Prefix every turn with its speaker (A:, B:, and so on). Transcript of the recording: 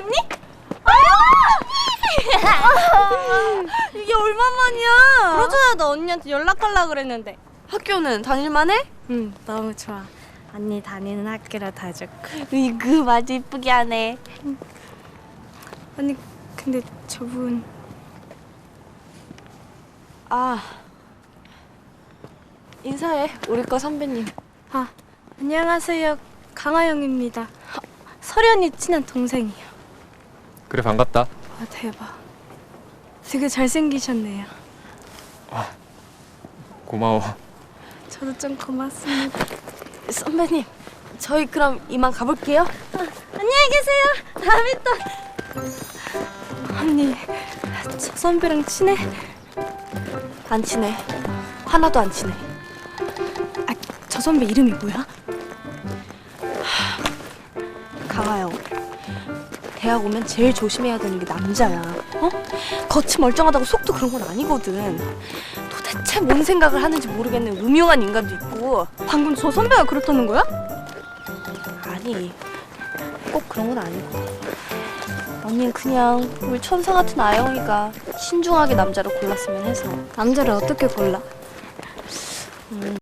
A: 언니? 이게 얼마만이야? 그러잖아, 나 언니한테 연락하려고 그랬는데.
B: 학교는 다닐만해?
A: 응, 너무 좋아. 언니 다니는 학교로 다 좋고.
B: 으이그 마주 이쁘게 하네.
A: 언니, 근데 저분...
B: 아, 인사해. 우리 과 선배님.
A: 아, 안녕하세요. 강하영입니다. 설이 언니 친한 동생이요.
C: 그래, 반갑다.
A: 아, 대박. 되게 잘생기셨네요.
C: 고마워.
A: 저도 좀 고맙습니다.
B: 선배님, 저희 그럼 이만 가볼게요.
A: 안녕히 계세요. 다음에 또. 언니, 저 선배랑 친해?
B: 안 친해. 하나도 안 친해.
A: 아, 저 선배 이름이 뭐야?
B: 강하영. 대학 오면 제일 조심해야 되는 게 남자야. 어? 겉이 멀쩡하다고 속도 그런 건 아니거든. 도대체 뭔 생각을 하는지 모르겠는 음흉한 인간도 있고.
A: 방금 저 선배가 그렇다는 거야?
B: 아니, 꼭 그런 건 아니고. 언니는 그냥 우리 천사 같은 아영이가 신중하게 남자를 골랐으면 해서.
A: 남자를 어떻게 골라?